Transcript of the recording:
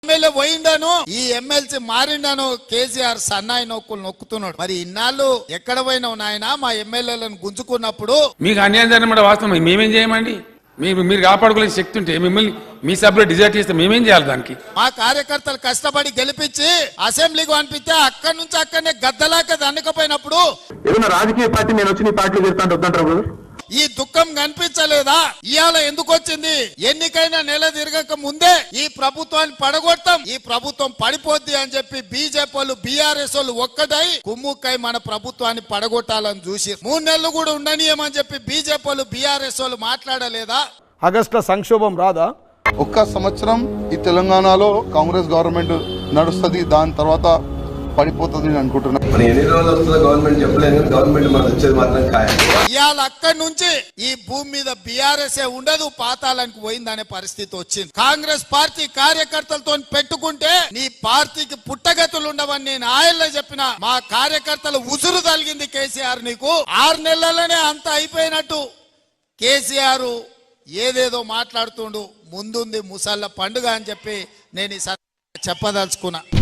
MLA పోయిండాను ఈ MLC మారిండాను KCR సన్నాయి నొక్కులు నొక్కుతున్నాడు. మరి ఇన్నాళ్ళు ఎక్కడ పోయినావు నాయన మా ఎమ్మెల్యేలను గుంజుకున్నప్పుడు? మీకు అన్యాయం జరిగిన వాస్తవం మేమేం చేయమండి? మీరు కాపాడుకునే శక్తి ఉంటే మిమ్మల్ని మీ సభ్యులు డిజైర్ చేస్తే మేమేం చేయాలి? దానికి మా కార్యకర్తలు కష్టపడి గెలిపించి అసెంబ్లీకి పంపిస్తే అక్కడి నుంచి అక్కడనే గద్దలాక దండకపోయినప్పుడు ఏదైనా రాజకీయ పార్టీ నేను వచ్చి నీ పార్టీలో చేస్తాను వద్దంటారు. ఈ దుఃఖం కనిపించలేదా? ఇవాళ ఎందుకు వచ్చింది? ఎన్నికైనా నెల తిరగక ముందే ఈ ప్రభుత్వాన్ని పడగొడతాం, ఈ ప్రభుత్వం పడిపోద్ది అని చెప్పి బీజేపీ వాళ్ళు బీఆర్ఎస్ వాళ్ళు ఒక్కటై కుమ్ముక్కై మన ప్రభుత్వాన్ని పడగొట్టాలని చూసి 3 నెలలు కూడా ఉండనీయమని చెప్పి బీజేపీ వాళ్ళు బీఆర్ఎస్ వాళ్ళు మాట్లాడలేదా? ఆగస్టు సంక్షోభం రాదా? ఒక్క సంవత్సరం ఈ తెలంగాణలో కాంగ్రెస్ గవర్నమెంట్ నడుస్తుంది, దాని తర్వాత పడిపోతుంది అనుకుంటున్నాను. ఇవాళ అక్కడి నుంచి ఈ భూమి మీద బీఆర్ఎస్ ఉండదు, పాతాళానికి పోయిందనే పరిస్థితి వచ్చింది. కాంగ్రెస్ పార్టీ కార్యకర్తలతో పెట్టుకుంటే నీ పార్టీకి పుట్టగతులు ఉండవని నేను ఆయల్లో చెప్పిన. మా కార్యకర్తలు ఉసురు తలిగింది కేసీఆర్. నీకు 6 నెలలనే అంత అయిపోయినట్టు కేసీఆర్ ఏదేదో మాట్లాడుతుండు. ముందుంది ముసళ్ళ పండుగ అని చెప్పి నేను చెప్పదలుచుకున్నా.